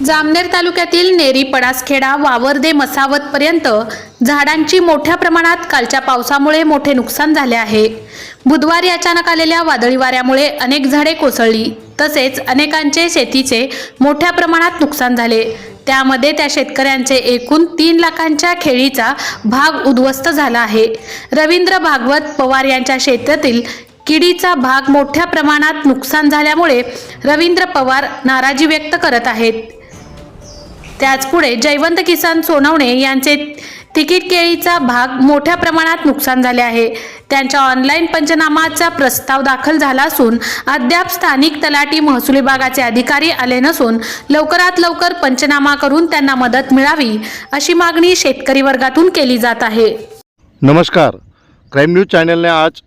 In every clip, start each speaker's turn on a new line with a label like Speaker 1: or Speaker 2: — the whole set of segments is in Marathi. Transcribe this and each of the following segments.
Speaker 1: जामनेर तालुक्यातील नेरी पडासखेडा वावरदे मसावत पर्यंत झाडांची मोठ्या प्रमाणात कालच्या पावसामुळे मोठे नुकसान झाले आहे। बुधवारी अचानक आलेल्या वादळी वाऱ्यामुळे अनेक झाडे कोसळली, तसेच अनेकांचे शेतीचे मोठ्या प्रमाणात नुकसान झाले। त्यामध्ये त्या शेतकऱ्यांचे एकूण 3 लाखांच्या खेळीचा भाग उद्ध्वस्त झाला आहे। रवींद्र भागवत पवार यांच्या शेतातील किडीचा भाग मोठ्या प्रमाणात नुकसान झाल्यामुळे रवींद्र पवार नाराजी व्यक्त करत आहेत। त्याचपुढे जयवंत किसन सोनवणे यांचे तिकीट केळीचा भाग मोठ्या प्रमाणात नुकसान झाले आहे। त्यांच्या ऑनलाईन पंचनामाचा प्रस्ताव दाखल झाला असून अद्याप स्थानिक तलाठी महसूल विभागाचे अधिकारी आले नसून लवकरात लवकर पंचनामा करून त्यांना मदत मिळावी अशी मागणी शेतकरी वर्गातून केली जात आहे।
Speaker 2: नमस्कार, क्राईम न्यूज चॅनलने आज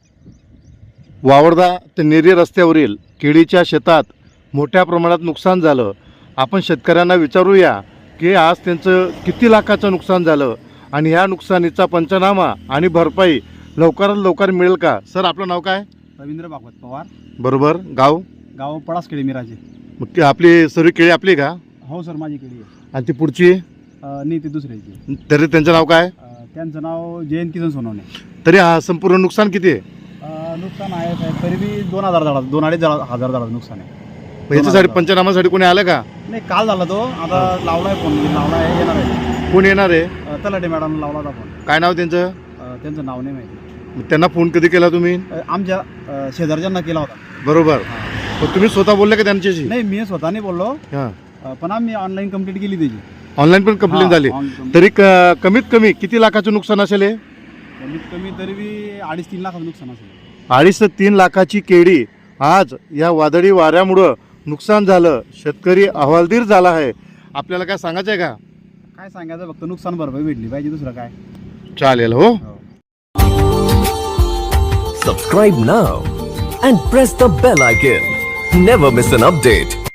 Speaker 2: वावरदा ते नेरी रस्त्यावरील केळीच्या शेतात मोठ्या प्रमाणात नुकसान झालं। आपण शेतकऱ्यांना विचारूया की आज त्यांचं किती लाखाचं नुकसान झालं आणि ह्या नुकसानीचा पंचनामा आणि भरपाई लवकरात लवकर मिळेल का। सर, आपलं नाव काय?
Speaker 3: रवींद्र भागवत पवार।
Speaker 2: बरोबर, गाव?
Speaker 3: गाव पडासखेडी मिराजे।
Speaker 2: मग ती आपली सर्व केळी आपली का?
Speaker 3: हो सर, माझी केळी आहे।
Speaker 2: आणि ती पुढची?
Speaker 3: नाही, ती दुसऱ्याची।
Speaker 2: तरी त्यांचं नाव काय?
Speaker 3: त्यांचं नाव जयंत किसन सोनवणे।
Speaker 2: तरी हा संपूर्ण नुकसान किती आहे?
Speaker 3: नुकसान आहे साहेब, तरी बी 2,000 झाडाचं 2-2.5 हजार झाडाचं नुकसान आहे।
Speaker 2: याच्यासाठी पंचनामासाठी कोणी आलं का?
Speaker 3: नाही, काल झाला तो, आता लावला आहे फोन, लावला आहे, येणार आहे।
Speaker 2: कोण येणार आहे?
Speaker 3: तलाठी मॅडम लावला होता फोन।
Speaker 2: काय नाव त्यांचं?
Speaker 3: त्यांचं नाव नाही माहिती।
Speaker 2: मग त्यांना फोन कधी केला तुम्ही?
Speaker 3: आमच्या शेजारच्यांना केला होता।
Speaker 2: बरोबर, पण तुम्ही स्वतः बोलले का त्यांच्याशी?
Speaker 3: नाही, मी स्वतः नाही बोललो,
Speaker 2: हां,
Speaker 3: पण आम्ही ऑनलाईन कंप्लीट केली त्याची।
Speaker 2: ऑनलाईन पण कंप्लेंट झाली। तरी कमीत कमी किती लाखाचं नुकसान असेल हे?
Speaker 3: कमीत कमी तरी बी 2.5-3 लाखाचं नुकसान असेल।
Speaker 2: 2.5 ते 3 लाखाची केळी आज या वादळी वाऱ्यामुळं नुकसान झालं। शेतकरी अहवालदिर झाला आहे। आपल्याला काय सांगायचं आहे का?
Speaker 3: काय सांगायचं, फक्त नुकसान भरपाई भेटली पाहिजे, दुसरं काय।
Speaker 2: चालेल, हो।
Speaker 4: Subscribe now and press the bell icon. Never miss an update.